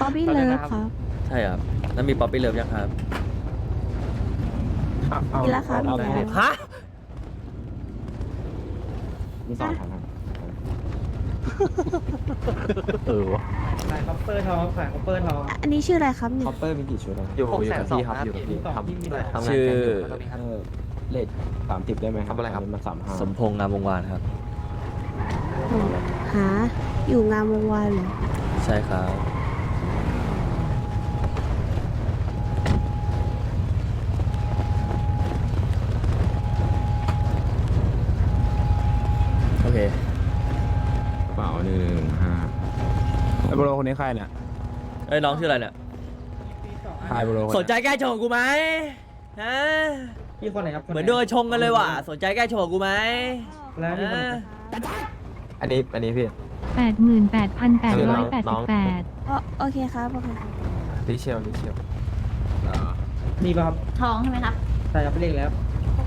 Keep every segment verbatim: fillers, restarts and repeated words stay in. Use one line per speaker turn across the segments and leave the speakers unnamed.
ป๊อปปี้เลิฟครับ
ใช่ครับแล้วมีป๊อปปี้เลิฟยังครับ
มีแล้วครับมีแล้ว
ฮะ
มีสองถังครับ
เออวะ
ขายคอปเปอร์ทองขายคอปเปอร์ทอง
อันนี้ชื่ออะไรครับเนี่ย
คอปเปอร์มีกี่ชุดอะ
อยู่อยู่กับพี่ครับอยู่กับพี่ทำทำงาน
ชื่อ
กันอยู่
เออเลทสามสิบได้ไหมครับ
ทำอะไรครับ
นนี้มันสามห้า
สมพงษ์งามวงวานครับ
หาอยู่งามวงวานเหรอ
ใช่ครับโอเค
กระเป๋าหนึ่งหนึ่งห้า
ไอ้โบโลคนนี้ใครเนี่ย
เอ้ยน้องชื่ออะไรเนี่ย
ใครโบโล
สนใจแก้ชงกับกูไหมฮะ
พี่คนไหนครับค
เหมือนโดนชงกันเลยว่ะสนใจแก้ชงกับกูไหม
แล้วพี่คนไหน
ฮะ
อันนี้อันนี้พี่
แปดหมื่นแปดพันแปดร้อยแปดสิบแปด
อ๋อโอเคครับโอเคครับ
ลิเชลลิเชล
มีป่ะครับ
ทองใช่ไหมครับ
ใช่ครับเลขแล้ว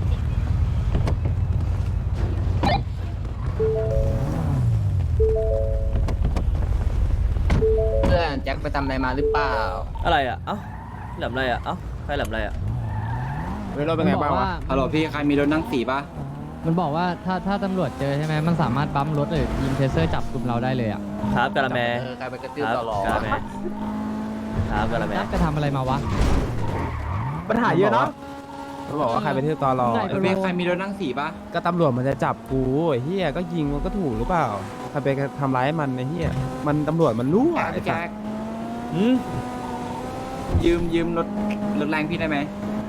เพื่อนแจ็คไปทำอะไรมาหรือเปล่า
อะไรอ่ะเอ้าแหลมอะไรอ่ะเอ้าใครแหลมอะไรอ่ะ
เฮ้ยเราเป็นไงบ้างวะ
ฮัลโหลพี่ใครมีรถนั่งสี่ป่ะ
มันบอกว่าถ้าถ้าตำรวจเจอใช่ไหมมันสามารถบัมป์รถหรือยิงเทเซอร์จับกลุ่มเราได้เลยอ่ะ
ครับกะละแม
เออใครไปกระตื้
ค
อ
รับ
ต่อรอก
ะละแมครับกะละแม
นัดไปทำอะไรมาวะ
ปัญหาเยอะเนาะเขาบอกว่าใครไปเที่ยวตอรอ
ใช่
เออพี่ใครมีรถนั่งสี่ป่ะ
ก็ตำรวจมันจะจับกูไอ้เฮียก็ยิงมันก็ถูกหรือเปล่าใครไปทำร้ายมันไอ้เฮียมันตำรวจมันรู้อ่ะไอ้
พี่
สั
แจ็
ส
ค
อืม
ยืมยืมรถรถแรงพี่ได้ไหม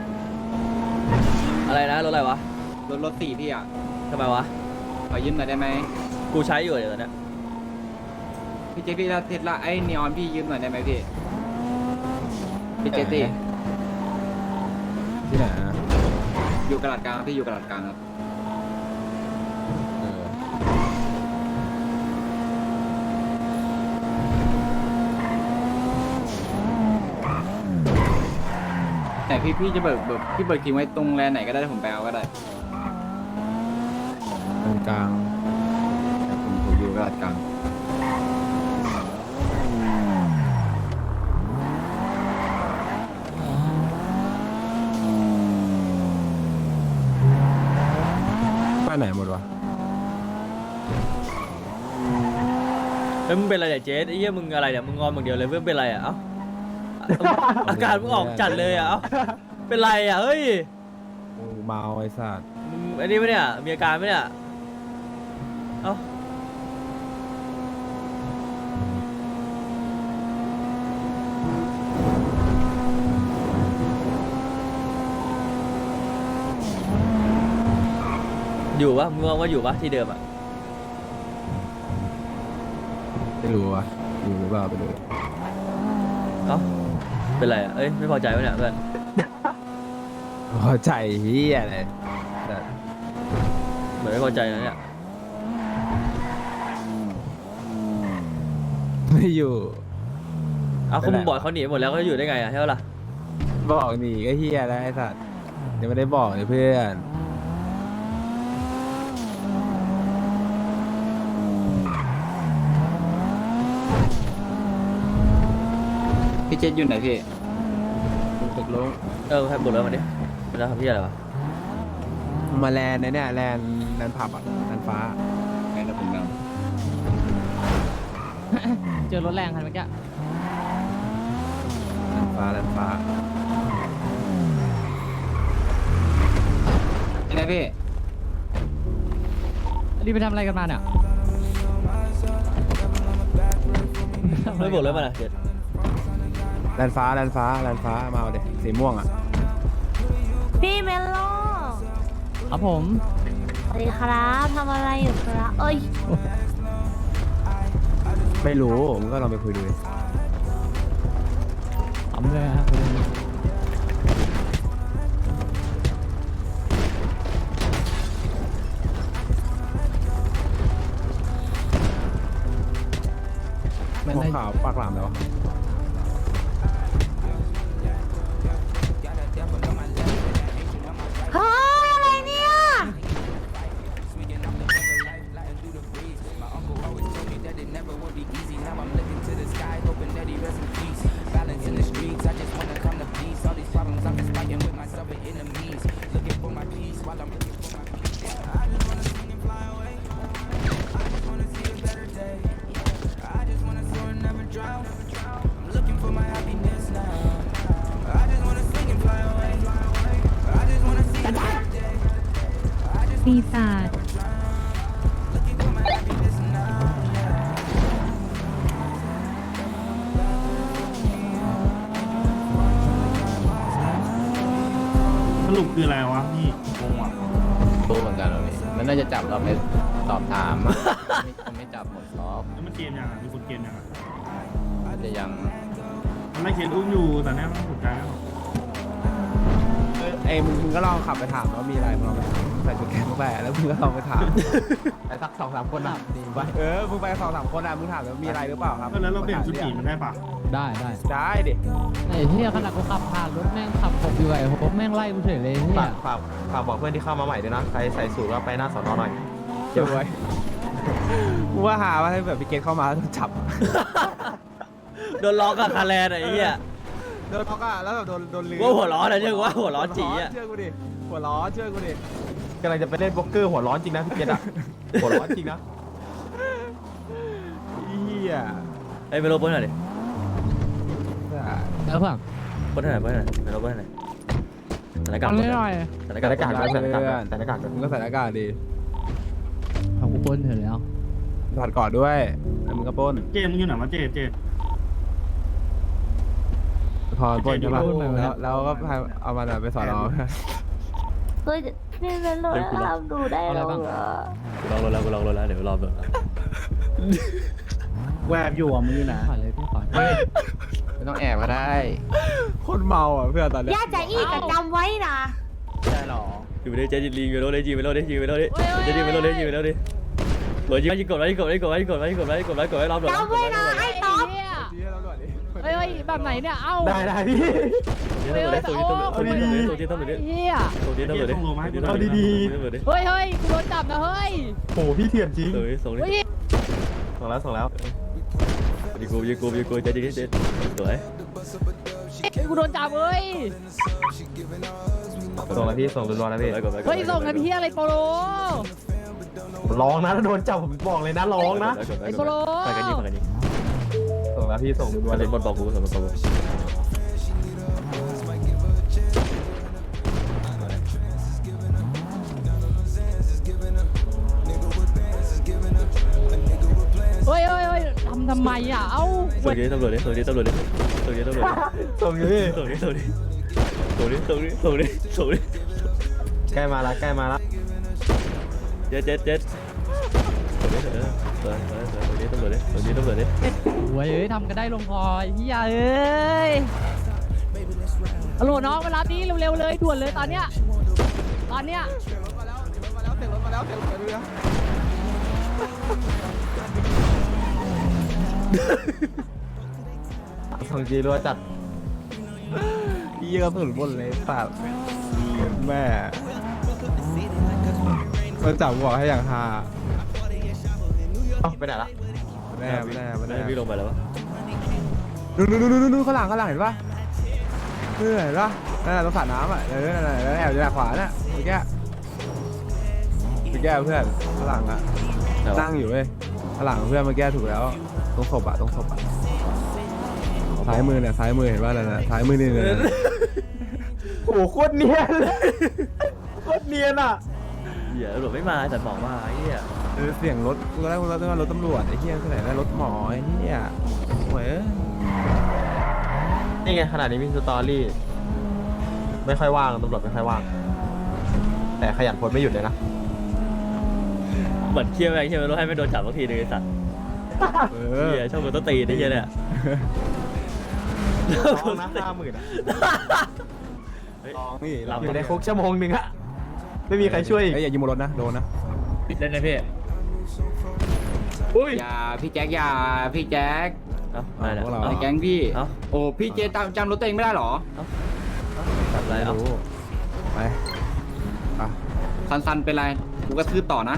อะไรนะรถอะไรวะ
รถรถสี่พี่อ่ะ
ทำไมวะ
ขอยืมหน่อยได้ไหม
กูใช้อยู่เดี๋ยวนี้
พี่เจพี่ถ้าเทสลาไอ้นีออนพี่ยืมหน่อยได้ไหมพี่พี่เจตี
ที่ไหนอะ
อยู่กระดาษกลางพี่อยู่กระดาษกลางครับ
เออ
แต่พี่พี่จะเบิกเบิกพี่เบิกทิ้งไว้ตรงแลนด์ไหนก็ได้ผมไปเอาก็ได้
ตรงกลาง
แต่ผมผมอยู่กระดาษกลาง
ไปไหนหมดวะ
เฮ้ยมึงเป็นอะไรเนี่ยเจ๊ไอ้เหี้ยมึงอะไรเนี่ยมึงงอนมึงเดียวเลยเพื่อนเป็นอะไรอ่ะเอ้าอาการมึงออกจัดเลยอ่ะเอ้าเป็นไรอ่ะเฮ้ย
กูเมาไอ้สัส
มึงอันนี้ไหมเนี่ยมีอาการไหมเนี่ยเอ้าอยู่ปะมึงมองว่าอยู่ปะที่เดิมอ่ะ
ไม่รู้วะอยู่หรือเปล่าไปดู
เอ้าเป็นไรอ่ะเอ้ยไม่พอใจปะเนี่ยเพื่อน
พอใจเฮียเลยแต่
เหมือนไม่พอใจนะเนี่ย
ไม่อยู่
เอ้า
ไป
คุณ
ไหน
มึงบอกเขาหนีหมดแล้วเขาจะอยู่ได้ไงอ่ะใช่ปะล่ะ
บอกหนีก็เฮียแล้วไอ้สัสยังไม่ได้บอกเลยเพื่อน
พี่เจอยู่ไหนพี่
ตกลง
เออให้บุญแล้วมาดิมันจะทำพี่อะไรวะ
มาแลนด์เนี่ยแลนด์แลนด์ผับอ่ะแลนด์ฟ้า
ไงนะผมกำลัง
เจอรถแรงคันเมื่อกี้
แลนด์ฟ้าแลนด์ฟ้า
ไงพี่
รีบไปทำอะไรกันมาเนี่ย
ไม่บุญแล้วมาอ่ะเจ็ด
แลนด์ฟ้าแลนด์ฟ้าแลนด์ฟ้ามาเอาดิสีม่วงอ่ะ
พี่เมลโล
ครับผม
สวัสดีครับทำอะไรอยู่ครับเอ้ย
ไม่รู้มึงก็ลองไปคุยดูดิ
ทำเลยครับ
หัวขาวปากหลามเลยวะ
เฮ้ยอะไรเนี่ย
My uncle always told me that it never would be easy. Now I'm looking to the sky, hoping that he rests in peace.
กาศ
สรุปคืออะไรวะพี่งงอ่ะ
รู้เหมือนกันเลยมันน่าจะจับเราไปสอบถามอะไม่ไม่จับหมดรอบ
แล้วมันเกมยังอ่ะมีคนเกมยังอ่ะ
อาจจะยัง
มันไม่เคสอุ้มอยู่แต่แน่มันถูกใจแล้ว
เออไอ้มึงมึงก็ลองขับไปถามว่ามีอะไรมึงลองไปถามใส่ชุดแขนเข้าไปแล้วมึงก็ลองไปถาม
ไอ้สักสองสามคนอ่ะดีไป
เออมึงไปสองสามคนอ่ะมึงถามว่ามีอะไรหรือเปล่าครับ
แล้วเราเปลี่ยนชุดผีมันได้ปะ
ได้ได้
ได้ดิ
ไอ้เหี้ยขนาดกูขับผ่านรถแม่งขับผมอยู่ไอ้ผมแม่งไล่กูเฉยเลยเหี้
ฝาย กฝากฝากบอกเพื่อนที่เข้ามาใหม่ด้วยนะใครใส่สูทก็ไปหน้าสอนอหน่อย
เดี๋ยวไว้กูว่าหาว่าให้แบบพี่เกตเข้ามาแล้วจับ
โดนล้อกับคาแลนด์อะไอ้เหี้ย
โดนล็อกอ่ะแล้วแบบโดนโดนลืม
ว่าหัวร้อนอะเชื่อกูว่าหัวร้อนจีอะ
เชื่อกูดิหัวร้อนเชื่อกูดิ
กำลังจะไปเล่นโป๊กเกอร์หัวร้อนจริงนะพี่เกดอ่ะ หัวร้อนจริงนะ
เฮีย
ไอ้เมโลปนหน่อยดิ
แล้วเพื่อน
ปนหน่อยปนหน่อยเมโลปนหน่อยสถานการ
เอา
ณ์
หน่อย
สถาน
แต่
การ
ห
ณ์
น้ากากแต่หน้ากากแต่หน้ากาก
มึงก็ใส่หน้ากากดิ
เอากูปล้นเถอะแล้ว
ถอดก่อนด้วยแล้วมึงก็ปล้น
เจมึงอยู่ไหนวะเจเจ
พอปล้นใช่ปะแล้วแล้วก็พาเอามันไปสอนอ
เฮ้ยพี่เมลโลทำดูได้หรอ
กูลองรถแล้วกูลองรถแล้วเดี๋ยวรอเบิก
แวบอยู่อ่ะมึงอยู่ไหน
ขอเลยพี่ขอ
ไม่ต้องแอบก็ได้
คนเมาอ่ะเพื่อนตอนเนี้ย
ย่าใจอีกจำไว้นะ
ได้หรอ
อยู่ในเจจิลีอยู่ในรถเลยจีไปรถเลยจีไปรถเลยเจจิไปรถเลยจีไปรถเลยกดยิงยิงกดไว้กดไว้กดไว้กดไว้กดไว้กดไว้กดไว้รอบหลัง
จำไว้นะไอ้ต๊อบ
เฮ้ยเฮ้ยแบบไหนเนี่ย เอ้า
ได้ได้พี่
ตัวนี้ตัวนี้ตัวนี้ตัวนี้ตัวนี้
เฮีย
ตัวนี้ตัวนี้ตัวนี้ตัวนี้
เฮ้ยเฮ้ยกูโดนจับนะเฮ้ย
โอ้พี่เถื่อนจริง
ตัวนี้ส่งนี้
เฮ้ย
ส่งแล้วส่งแล้ว
ยิงกูยิงกูยิงกูเจจิเจจิสวย
กูโดนจับเฮ้ย
ส่งแล้วพี่ส่งรัวๆแล้วพี่
เฮ้ยส่งกันเฮียอะไรโปโล
ร้องนะถ้าโดนจับผมบอกเลยนะร้องนะ
ไอ้โปโล
ไปกันยิงไปกันยิง
ส่งแล้วพี่ส่งรัว
มา
ๆเล
เล่
ย
นบอลบอกกูสมบูรณ์
เฮ้ยเฮ้ยเฮ้ยทำทำไมอ่ะ เอ้า
ส่งนี้ตำรวจดิส่งนี้ตำรวจดิส่งนี้ตำรวจ
ส่งอยู่พี่
ส่งนี้ส่งนี้ส่งนี้ส่งนี้ส่งนี้ส่งนี้
ใกล้มาละใกล้มาละ
เจ็ดเจ็ดเจ็ดส่งนี้ส่งนี้ส่งนี้ตำรวจดิส่งนี้ตำรวจดิ
โว้ยเอ้ยทำกันได้ลงคอไอ้เฮียเอ้ยฮัลโหลน้องมารับนี้เร็วๆเลยด่วนเลยตอนเนี้ย ตอนเนี้ย
ส่งจีรัวจัด
เยี่ยกระสุนบนเลยสัตว์แม่มาจับบอกให้อย่างฮา
เอ้าไปไหนละ
แน่แน่แน่
พี่ลงไปแล้ววะ
ดูดูดูดูดูข้างหลังข้างหลังเห็นปะเห็นปะนั่นแหละตรงสระน้ำอ่ะเออนั่นแหละแอบอยู่ด้านขวาน่ะเมื่อกี้เมื่อกี้เพื่อนข้างหลังอ่ะนั่งอยู่เว้ยข้างหลังเพื่อนเมื่อกี้ถูกแล้วตรงศพอ่ะตรงศพอ่ะซ้ายมือเนี่ยซ้ายมือเห็นป่ะนั่นน่ะซ้ายมือนี่เลย
โอ้โหโคตรเนียนเลยโคตรเนียนอ่ะ
เหี้ยตำรวจไม่มาแต่หมอมาไอ้เหี้ย
เออเสียงรถกูได้กูได้ว่ารถตำรวจไอ้เหี้ยที่ไหนได้รถหมอไอ้เหี้ยโอ้ย
นี่ไงขนาดนี้มีสตอรี่ไม่ค่อยว่างตำรวจไม่ค่อยว่าง แต่ขยันโพสไม่หยุดเลยนะ
เหมือนเคี่ยวไปเคี่ยวไปรถให้ไม่โดนจับสักทีนึงไอ้สัตว์
เออ
เหี้ยชอบโดนต้นตีนไอ้เหี้ยเนี่ย
ร้องนะห้าหมื่นอ่ะ
ลองนี่
หลับ
อยู่ในคุกชั่วโมงหนึ่งอะไม่มีใครช่วยอีก
ไอ้ยอย่ายิงบนรถนะโดนนะ
เล่นนะพี่
อุ้ย
อย่าพี่แจ็คอย่าพี่แจ็ค
เอ้าอะไรเนี่ย
ไอ้แก๊งพี่
เอ้า
โอ้พี่เจจำจำรถตัวเองไม่ได้เหรอ
จับอะไรเอ้า
รู้ไปอ่ะ
ซันซันเป็นไรกูกระทืบต่อนะ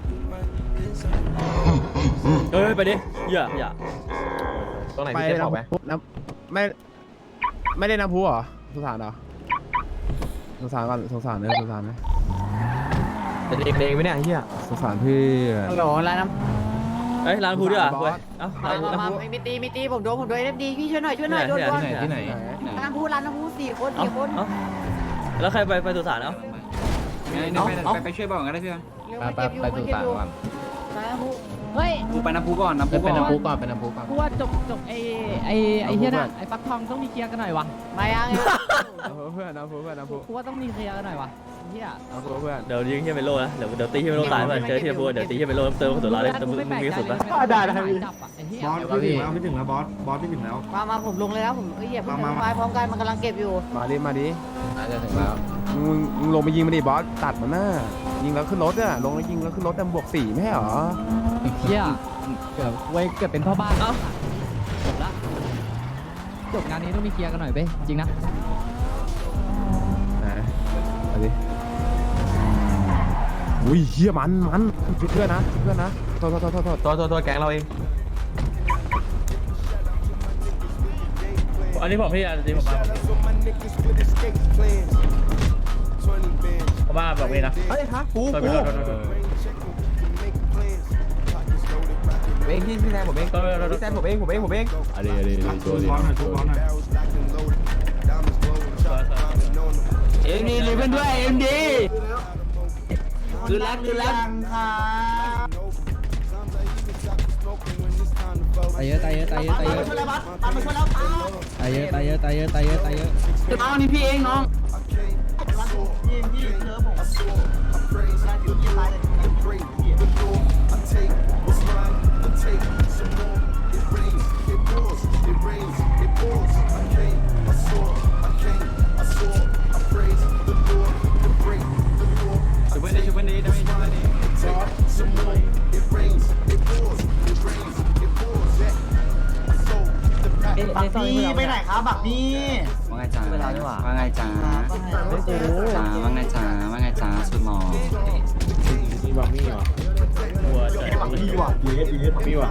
เฮ้ยไปดิอย่าอย่า
ตรงไหน
ไป
พี่เจ๊บอกไหม
น้ำไม่ไม่ได้น้ำพุเหรอสงสารเหรอสงสารก่อนสงสารเลยสงสารเลย
จะเด็กเด็กไหมเนี่ยเฮีย
สงสารเพื่อน
ฮัลโหลร้านน้
เฮ้ยร้านพูดด้วยอ่ะ
บอส
เว้ยเอ้าร้านพูด
ำมามีตีมีตีผมโดนผมโดนเอฟดีพี่ช่วยหน่อยช่วยหน่อยโดนโดน
ที่ไหนที่ไหน
ร้านพูร้านน้ำพูสี่คน
เอ้า
สี่คน
เอ้าแล้วใครไปไปสุสานเอ้า
งั้น
เอา
ไป
เอา
ไปไปช่วยบอกกันได้พี่
ไปไปไปสุสานก่อนเฮ้ย
กูไปน้ำพุก่อนน้ำพุ
เป็น
ก่อน
น้ำพุก่อนเป็นน้ำพุก่อนกูว่าจบจบไอ้ไอ้ไอ้เฮียน่ะไอ้ฟักทองต้องมีเคลียร์กันหน่อยวะไม่ยัง
เอาเพื่อนเอาเพื่อนเอาเพื่อน
กูว่าต้องมีเคลียร์กันหน่อยวะเฮีย
เอาเพื่อน
เดี๋ยวยิงเฮียเมโลนะเดี๋ยวเดี๋ยวตีเฮียเมโลตายเพื่อนเจอเฮียพูดเดี๋ยวตีเฮียเมโลเติมกระสุนร้อยเลยแต่มึงมึงมีกระสุนปะ
ได้ได้จับอ่ะไอ้เฮีย
บอสพี่ถึงแล้วพี่ถึงแล้วบอสบอสพี่ถึงแล้ว
มามาผมลงเลยนะผมเอ้ยอย่าเพิ่ง
มามา
มาพร้อมกันมันกำลังเก็บอยู่
มาดิมาดิ
น่าจะถึงแล้ว
มึงมึงลงไปยิงมันดิบอสตัดมันน่ะยิงแล้วขึ้นรถอ่ะลงแล้วยิงแล้วขึ้นรถแต่บวกสี่ไม่ใช่หรอ
เฮียเกือบไว้เกือบเป็นพ่อบ้านแล้วจบละจบงานนี้ต้องมีเคลียร์กันหน่อยเว้ยจริงนะ
ไหนมาดิอุ้ยเฮียมันมันช่วยเพื่อนนะช่วยเพื่อนนะโทษโทษโทษโทษโทษ
ตัวตัวตัวแก๊งเราเอง
อันนี้ผมพี่อันนี้ผมมาผมมาบอกพี่นะ
เฮ้ยฮะกู
ตัว
กู
พี่ตัวตัว
เองพี่พี่แซมผมเองพี่แซมผมเองผมเองผมเอง
อะไรอะไร
ชุบบอสหน่อยชุบบอสหน่อย
เอ็มดีรีเพื่อนด้วยเอ็มดีคือรักคือรัก
ตายเยอะตายเยอะตายเยอะตายเยอะตายเยอะตายเยอะตายเยอะตายเยอะตายเยอะ
น้องนี่พี่เองน้อง ชุบเพื่อนดีชุบเพื่อนดีได้ไหมชุบเพื่อนดี
บักพี่ไปไหนครับบักพี่
ว่าไงจ้าว่าไงจ้าจ้าว่าไงจ้าว่าไงจ้าสุดหมอ
หัวใจพี่ว่ะพี่ว่ะ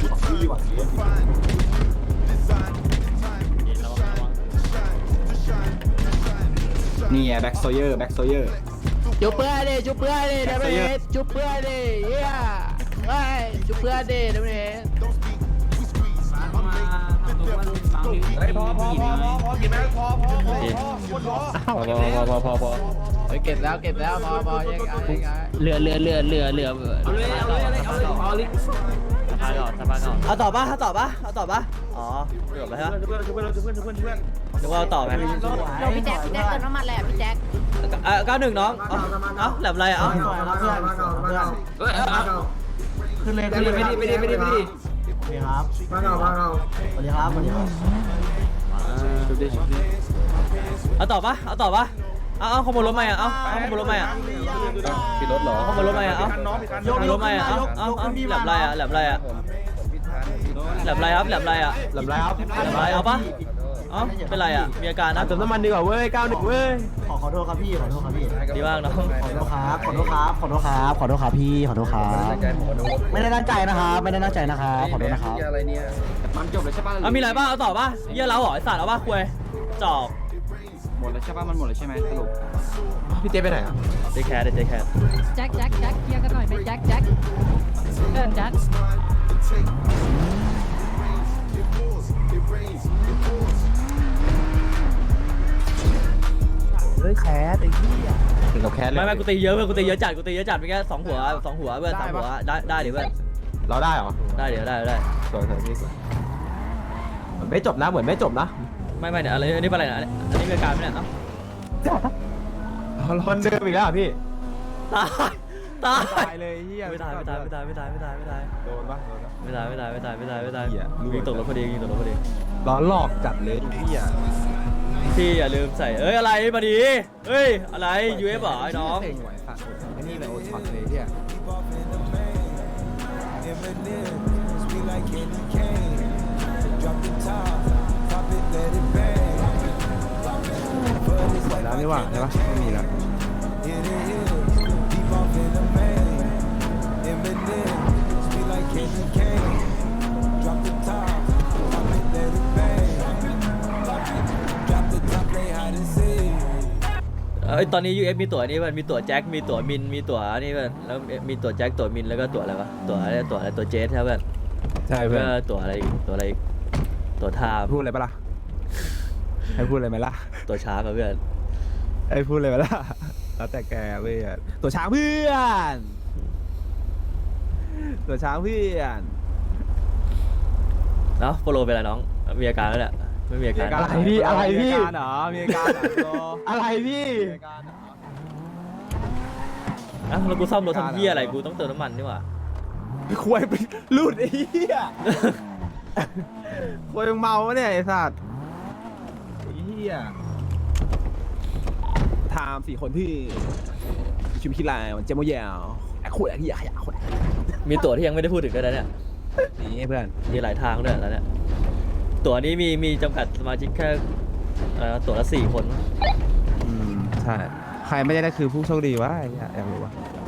นี่ไงแบ็กโซเยอร์แบ็กโซเยอร์
จุบเพื่อนดิจุบเพื่อนดิเดมเนสจุบเพื่อนดิเฮียเฮ้ยจุบเพื่อนดิเดมเนส
เฮ้ยพอพอพอพอพอกินไหมพอพอพอ
พอพอพอพอพอ
เฮ้ยเก็บแล้วเก็บแล้วพอพอยังไงยังไง
เรือเรือเรือเรือเรือ
เอาเลยเอาเลยเอาเลยเอาเลยเอาเลย
สะพานก่อนสะพานก่อนเอาต่อปะเอาต่อปะเอาต่อปะอ๋อเกือบไปฮะ
ชุบเพื่อนชุบเพื่อนชุบเพื่อนชุบเพื่อนชุบเพื่อน
นึกว่าเอาต่อไหม
เดี๋ยวพี่แจ็คพี่แจ็คเติมน้ำมันแหละพี่แจ็ค
เออเก้าหนึ่งน้องเอาเอาแหลมอะไรอ่ะเอา
เพื่อนเพื่อน
เฮ้ยเอาขึ้นเลยขึ้นเลยไม่ดีไม่ดีไม่ดีไม่ดี
สวัสดีครับมาเรามาเราสวัสดีครับสวัสดีครับ
ชุบดิชุบดิ
เอาต่อปะเอาต่อปะเอาเอาขโมยรถใหม่อ่ะเอาเอาขโมยรถใหม่อ่ะ
ปิดรถเหรอ
เอาขโมยรถใหม่อ่ะเอาขโมยรถใหม่อ่ะเอาเอาเอาแหลมอะไรอ่ะแหลมอะไรอ่ะแหลมอะไรครับแหลมอะไรอ่ะ
ลำไรครับ
แหลมอะไรเอาปะเอ้าเป็นไรอ่ะมีอาการนะ
เติมน้ำมันดีกว่าเว้ยเก้าหนึ่งเว้ย
ขอขอโทษครับพี่ขอโทษครับพี่
ดีมากน้อง
ขอโทษครับขอโทษครับขอโทษครับขอโทษครับพี่ขอโทษครับไม่ได้ตั้งใจนะครับไม่ได้ตั้งใจนะครับขอโทษนะครับ
มันจบแล้วใช่ป่ะ
เอามีอะไรบ้างเอาต่อปะเยี่ยเราเหรอไอสัตว์เอาปะคุยจอก
หมดแล้วใช่ป่ะมันหมดแล้วใช่ไหมสรุป
พี่เจไปไหนอ่ะ
เจแคทเจแคท
แจ็คแจ็คแจ็คเคลียร์กันหน่อยไหมแจ็คแจ็คเดินแจ็ค
เฮ้ยแคสไอ้เหี้ย
ถึงกับแคสเลย
ไม่ไม่กูตีเยอะเพื่อนกูตีเยอะจัดกูตีเยอะจัดไปแค่สองหัวสองหัวเพื่อนสามหัวได้ได้เดี๋ยวเพื่อน
เราได้เหรอ
ได้เดี๋ยวได้ได้
สวยสวยพี่สวยเหมือนไม่จบนะเหมือนไม่จบนะ
ไม่ไม่เนี่ยอะไรอันนี้เป็นอะไรนะอันนี้เป็นการไหมเนี่ยเอ้า
คนเดิมอีกแล้วพี่
ตายตาย
ตายเลยเหี้ย
ไม่ตายไม่ตายไม่ตายไม่ตายไม่ตายไม่ตาย
โดนปะโดนปะ
ไม่ตายไม่ตายไม่ตายไม่ตายไม่ตาย
เหี้ย
ยิงตกรถพอดียิงตกรถพอดี
ร้อนหลอกจัดเลยพี่อ่ะ
พี่อย่าลืมใส่เอ้ยอะไรมาดีเฮ้ยอะไร ยู เอฟ เหรอไอ้น้อง
เก่งไหวสัตว์ไอ้นี่เลยโอช็อตเลยเหี้ย หมดแล้วนี่หว่าใช่ปะไม่มีแล้ว
เอ้ยตอนนี้ ยู เอฟ มีตั๋วนี่มันมีตั๋วแจ็คมีตั๋วมินมีตั๋วนี่เพื่อนแล้วมีตั๋วแจ็คตั๋วมินแล้วก็ตั๋วอะไรวะตั๋วอะไรตั๋วอะไรตั๋วเจสใช่เพื่อน
ใช่เพื่อน
ก็ตั๋วอะไรอีกตั๋วอะไรอีกตั๋วไทม์
พูดอะไรปะล่ะ ให้พูดอะไรไหมล่ะ
ตั๋วช้างอะเพื่อน
ให้พูดอะไรไหมล่ะ แล้วแต่แกเว้ยตัวช้างเพื่อนตัวช้างเพื่อน
เนาะโปโลเป็นไรน้องมีอาการแล้วแหละไม่มีอาการ
อะไรพี่อะไรพี่มีอาการเหรอมีอาการเหรออะไรพี่มีอาการเหรอ
อ่ะแล้วกูซ่อมรถทำเหี้ยอะไรกูต้องเติมน้ำมันนี่หว่า
ควายไปรูดไอ้เหี้ยควายมึงเมาวะเนี่ยไอ้สัตว์ไอ้เหี้ยไทม์สี่คนที่ชิมคิดไรมันเจมโมยาวไอ้ขวดไอ้เหี้ยขยะขวด
มีตั๋วที่ยังไม่ได้พูดถึงด้วยนะเนี่ย
นี่เพื่อน
มีหลายทางด้วยแล้วเนี่ยตั๋วนี้มีมีจำกัดสมาชิกแค่เอ่อตั๋วละสี่คน
อืมใช่ใครไม่ได้ได้คือผู้โชคดีวะไอ้เหี้ยอยากรู้วะ